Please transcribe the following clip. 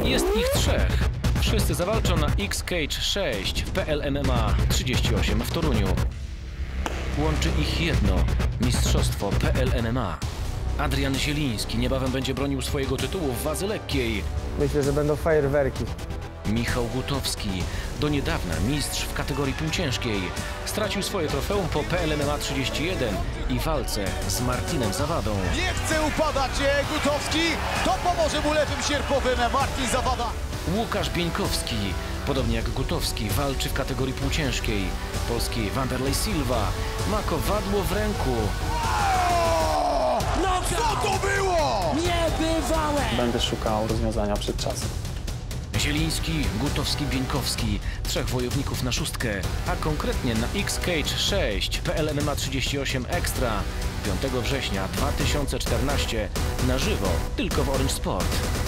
Jest ich 3. Wszyscy zawalczą na X-Cage 6 w PL MMA 38 w Toruniu. Łączy ich jedno – mistrzostwo PL MMA. Adrian Zieliński niebawem będzie bronił swojego tytułu w wadze lekkiej. Myślę, że będą fajerwerki. Michał Gutowski, do niedawna mistrz w kategorii półciężkiej, stracił swoje trofeum po PL MMA 31 i walce z Martinem Zawadą. Nie chce upadać Gutowski, to pomoże mu lewym sierpowym Martin Zawada. Łukasz Bieńkowski, podobnie jak Gutowski, walczy w kategorii półciężkiej. Polski Wanderlei Silva ma kowadło w ręku. No co to było? Niebywałe! Będę szukał rozwiązania przed czasem. Zieliński, Gutowski, Bieńkowski, 3 wojowników na 6, a konkretnie na X-Cage 6 PL MMA 38 Extra 5 września 2014 na żywo tylko w Orange Sport.